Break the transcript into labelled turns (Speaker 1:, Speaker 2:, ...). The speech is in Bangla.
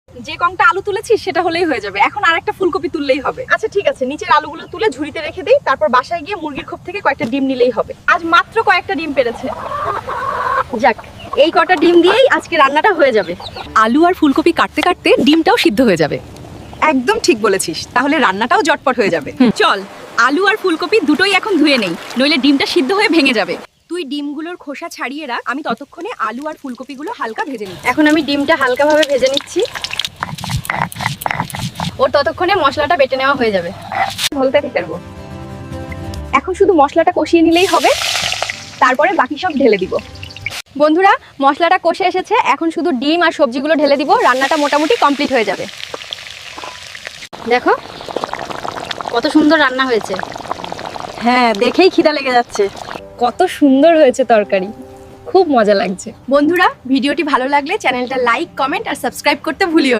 Speaker 1: যে কংটা আলু তুলেছিস সেটা হলেই হয়ে যাবে, এখন আরেকটা ফুলকপি তুললেই হবে। আচ্ছা ঠিক আছে, নিচের আলুগুলো তুলে ঝুড়িতে রেখে দেই, তারপর বাসায় গিয়ে মুরগির খোপ থেকে কয়েকটা ডিম নিলেই হবে। আজ মাত্র কয়েকটা ডিম পেড়েছে। যাক, এই কটা ডিম দিয়েই আজকে রান্নাটা হয়ে যাবে।
Speaker 2: আলু আর ফুলকপি কাটতে কাটতে ডিমটাও সিদ্ধ হয়ে যাবে।
Speaker 1: একদম ঠিক বলেছিস, তাহলে রান্নাটাও জটপট হয়ে যাবে। চল, আলু আর ফুলকপি দুটোই এখন ধুয়ে নেই, নইলে ডিমটা সিদ্ধ হয়ে ভেঙে যাবে। তুই ডিমগুলোর খোসা ছাড়িয়ে রাখ, আমি ততক্ষণে আলু আর ফুলকপিগুলো হালকা ভেজে নিই। এখন আমি ডিমটা হালকাভাবে ভেজে নিচ্ছি, ওর ততক্ষণে মশলাটা বেটে নেওয়া হয়ে যাবে। বলতে পারবো, এখন শুধু মশলাটা কষিয়ে নিলেই হবে, তারপরে বাকি সব ঢেলে দিব। বন্ধুরা, মশলাটা কষে এসেছে, এখন শুধু ডিম আর সবজিগুলো ঢেলে দিব, রান্নাটা মোটামুটি কমপ্লিট হয়ে যাবে। দেখো কত সুন্দর রান্না হয়েছে।
Speaker 2: হ্যাঁ, দেখেই খিদা লেগে যাচ্ছে।
Speaker 1: কত সুন্দর হয়েছে তরকারি, খুব মজা লাগছে। বন্ধুরা, ভিডিওটি ভালো লাগলে চ্যানেলটা লাইক, কমেন্ট আর সাবস্ক্রাইব করতে ভুলিও না।